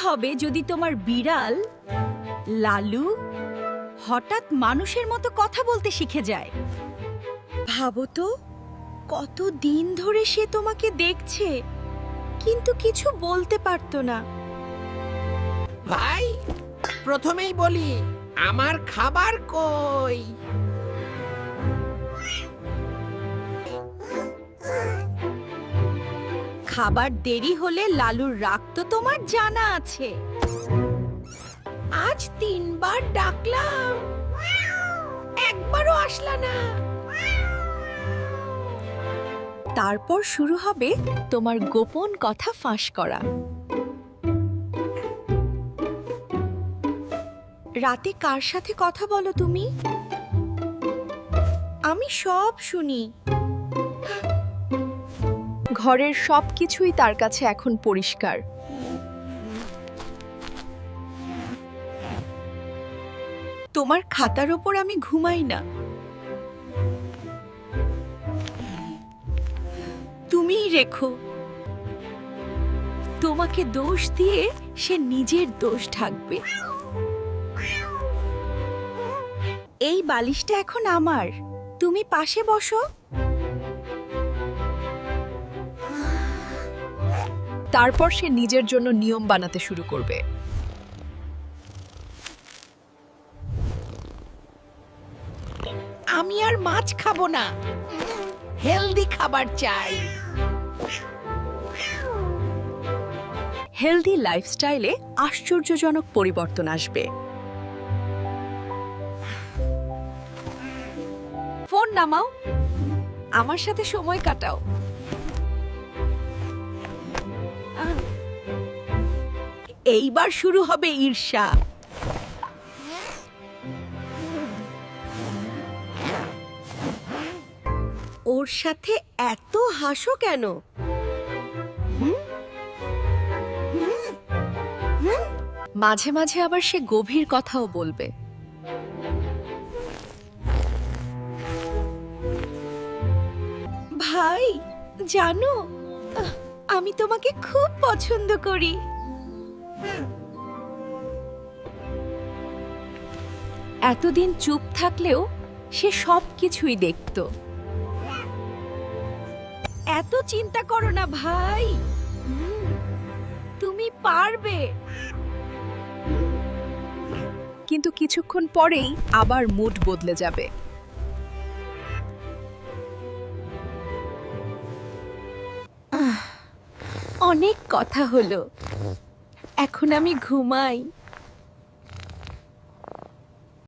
হবে যদি তোমার বিড়াল লালু হঠাৎ মানুষের মতো কথা বলতে শিখে যায়? ভাবো তো, কত দিন ধরে সে তোমাকে দেখছে কিন্তু কিছু বলতে পারতো না। ভাই, প্রথমেই বলি, আমার খাবার কই? খাবার দেরি হলে লালুর রাগ তো তোমার জানা আছে। আজ 3বার ডাকলাম, একবারও আসলা না। তারপর শুরু হবে তোমার গোপন কথা ফাঁস করা। রাতে কার সাথে কথা বলো তুমি? আমি সব শুনি। ঘরের সবকিছুই তার কাছে এখন পরিষ্কার। তোমার খাতার ওপর আমি ঘুমাই না। তুমিই রেখো। তোমাকে দোষ দিয়ে সে নিজের দোষ ঢাকবে। এই বালিশটা এখন আমার, তুমি পাশে বসো। তারপর সে নিজের জন্য নিয়ম বানাতে শুরু করবে। আমি আর মাছ খাবো না, হেলদি খাবার চাই। হেলদি লাইফস্টাইলে আশ্চর্যজনক পরিবর্তন আসবে। ফোন নামাও, আমার সাথে সময় কাটাও। এইবার শুরু হবে ঈর্ষা। ওর সাথে এত হাসো কেন? মাঝে মাঝে আবার সে গভীর কথাও বলবে। ভাই, জানো, আমি তোমাকে খুব পছন্দ করি। এতদিন চুপ থাকলেও সে সবকিছুই দেখত। এত চিন্তা করো না ভাই, তুমি পারবে। কিন্তু কিছুক্ষণ পরেই আবার মুড বদলে যাবে। অনেক কথা হলো, এখন আমি ঘুমাই।